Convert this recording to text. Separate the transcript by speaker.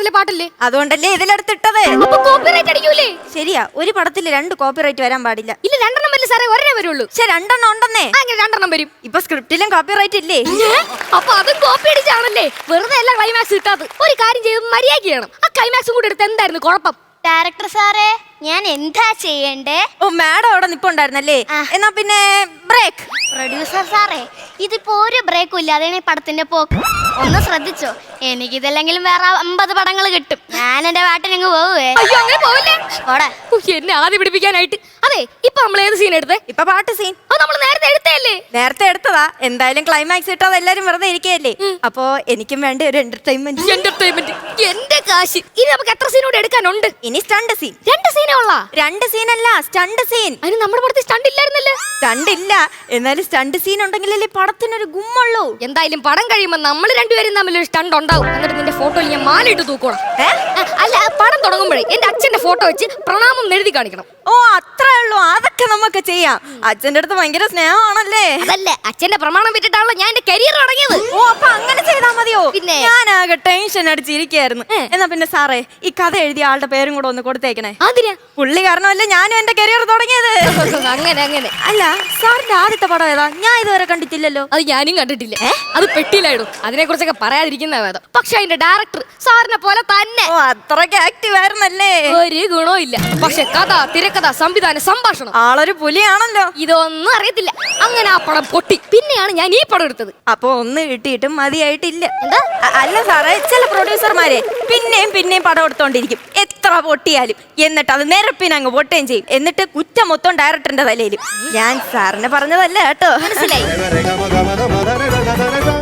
Speaker 1: പടത്തിലെ പാട്ടല്ലേ?
Speaker 2: അതുകൊണ്ടല്ലേ ഇതിലെടുത്തിട്ടത്.
Speaker 1: അപ്പൊ കോപ്പിറൈറ്റ് അടിക്കൂലേ?
Speaker 2: ശരിയാ, ഒരു പടത്തിൽ 2 കോപ്പിറൈറ്റ് വരാൻ പാടില്ല.
Speaker 1: ഇല്ല, 2 വരില്ല സാറേ, ഒരേ വരുള്ളൂ.
Speaker 2: പക്ഷെ 2 ഉണ്ടെന്നേ.
Speaker 1: അങ്ങനെ 2 വരും.
Speaker 2: ഇപ്പൊ സ്ക്രിപ്റ്റിലും കോപ്പിറൈറ്റ് ഇല്ലേ?
Speaker 1: അപ്പൊ അതും കോപ്പി അടിച്ചാണല്ലേ? വെറുതെ അല്ല ക്ലൈമാക്സ് കിട്ടാത്തത്. ഒരു കാര്യം ചെയ്ത് മര്യാദ ചെയ്യണം. ആ ക്ലൈമാക്സും കൂടെ എടുത്ത് എന്തായിരുന്നു കുഴപ്പം?
Speaker 3: ഡയറക്ടർ സാറേ, ഞാൻ എന്താ ചെയ്യണ്ടേ?
Speaker 2: ഓ, മാഡം അവിടെ നിപ്പുണ്ടായിരുന്നല്ലേ? എന്നാ പിന്നെ ബ്രേക്ക്.
Speaker 3: പ്രൊഡ്യൂസർ സാറേ, ഇതിപ്പോ ഒരു ബ്രേക്കും ഇല്ലാതെ പടത്തിന്റെ പോക്ക്. ഒന്ന് ശ്രദ്ധിച്ചോ, എനിക്കിതല്ലെങ്കിലും വേറെ 50 പടങ്ങൾ കിട്ടും. ഞാൻ എന്റെ പാട്ടിനങ്ങ് പോവേ.
Speaker 1: അയ്യോ, അങ്ങനെ പോവല്ലേ?
Speaker 3: ഓടെ
Speaker 1: എന്നെ ആദ്യം പിടിപ്പിക്കാനായിട്ട്. അതെ, ഇപ്പൊ നമ്മൾ ഏത് സീൻ എടുത്തേ?
Speaker 2: ഇപ്പൊ പാട്ട് സീൻ.
Speaker 1: അത് നമ്മൾ നേരത്തെ എടുത്തല്ലേ?
Speaker 2: നേരത്തെ എടുത്തതാ. എന്തായാലും ക്ലൈമാക്സ് ഇട്ടാതെ എല്ലാരും വെറുതെ ഇരിക്കുകയല്ലേ. അപ്പൊ എനിക്കും വേണ്ട ഒരു എന്റർടൈൻമെന്റ്.
Speaker 1: എന്റെ കാശ്. ഇനി നമുക്ക് എത്ര സീനോട് എടുക്കാനുണ്ട്?
Speaker 2: ഇനി സ്റ്റണ്ട് സീൻ.
Speaker 1: 2 സീനേ ഉള്ള?
Speaker 2: 2 സീനല്ല, സ്റ്റണ്ട് സീൻ.
Speaker 1: അതിന് നമ്മുടെ പടത്തിൽ സ്റ്റണ്ട് ഇല്ലായിരുന്നല്ലേ?
Speaker 2: സ്റ്റണ്ട് ഇല്ല, എന്നാലും സ്റ്റണ്ട് സീൻ ഉണ്ടെങ്കിലല്ലേ പടത്തിനൊരു ഗുമ്മുള്ളൂ.
Speaker 1: എന്തായാലും പടം കഴിയുമ്പോ നമ്മൾ രണ്ടുപേരും തമ്മിൽ ഒരു സ്റ്റണ്ട് ഉണ്ടാവും. എന്നിട്ട് നിന്റെ ഫോട്ടോയിൽ ഞാൻ മാലയിട്ട് തൂക്കണം. അല്ല, പടം തുടങ്ങുമ്പോഴേ എന്റെ അച്ഛന്റെ ഫോട്ടോ വെച്ച് പ്രണാമം എഴുതി കാണിക്കണം.
Speaker 2: ഓ, അത്രേ ഉള്ളൂ. അതൊക്കെ നമുക്ക് ചെയ്യാം. അച്ഛന്റെ അടുത്ത് ഭയങ്കര സ്നേഹമാണല്ലേ?
Speaker 1: അതല്ല, അച്ഛന്റെ പ്രമാണം വിട്ടിട്ടാണല്ലോ ഞാൻ എന്റെ കരിയർ തുടങ്ങിയത്.
Speaker 2: ഓ, അപ്പൊ അങ്ങനെ ചെയ്താ മതിയോ?
Speaker 1: പിന്നെ
Speaker 2: ഞാനാകെ ടെൻഷൻ അടിച്ചിരിക്കായിരുന്നു. എന്നാ പിന്നെ സാറേ, ഈ കഥ എഴുതിയ ആളുടെ പേരും കൂടെ ഒന്ന് കൊടുത്തേക്കണേ.
Speaker 1: അതിനാ?
Speaker 2: പുള്ളി കാരണമല്ലേ ഞാനും എന്റെ കരിയർ തുടങ്ങിയത്.
Speaker 1: അങ്ങനെ
Speaker 2: അല്ല, സാറിന്റെ ആദ്യത്തെ പടം ഏതാ? ഞാൻ ഇതുവരെ കണ്ടിട്ടില്ലല്ലോ.
Speaker 1: അത് ഞാനും കണ്ടിട്ടില്ല. അത് പെട്ടിയിലായിടും. അതിനെ കുറിച്ചൊക്കെ പറയാതിരിക്കുന്ന വേദം. പക്ഷെ അതിന്റെ ഡയറക്ടർ സാറിനെ പോലെ തന്നെ.
Speaker 2: ഓ, അത്രയ്ക്ക് ആക്റ്റീവ് ആയിരുന്നല്ലേ?
Speaker 1: ഒരു ഗുണവും ഇല്ല. പക്ഷെ കഥ, തിരക്കഥ, സംവിധാനം, സംഭാഷണം,
Speaker 2: ആളൊരു പുലിയാണല്ലോ.
Speaker 1: ഇതൊന്നും അറിയത്തില്ല. അങ്ങനെ ആ പടം പൊട്ടി. പിന്നെയാണ് ഞാൻ ഈ പടം എടുത്തത്.
Speaker 2: അപ്പൊ ഒന്ന് കിട്ടിയിട്ടും മതിയായിട്ടില്ല. എന്താ? അല്ല സാറേ, ചില പ്രൊഡ്യൂസർമാരെ പിന്നെയും പടം എടുത്തോണ്ടിരിക്കും, എത്ര പൊട്ടിയാലും. എന്നിട്ട് അത് നിരപ്പിനങ്ങ് പൊട്ടുകയും ചെയ്യും. എന്നിട്ട് കുറ്റം മൊത്തം ഡയറക്ടറിന്റെ തലയിലും. ഞാൻ സാറിന് പറഞ്ഞതല്ല കേട്ടോ.
Speaker 1: മനസ്സിലായി?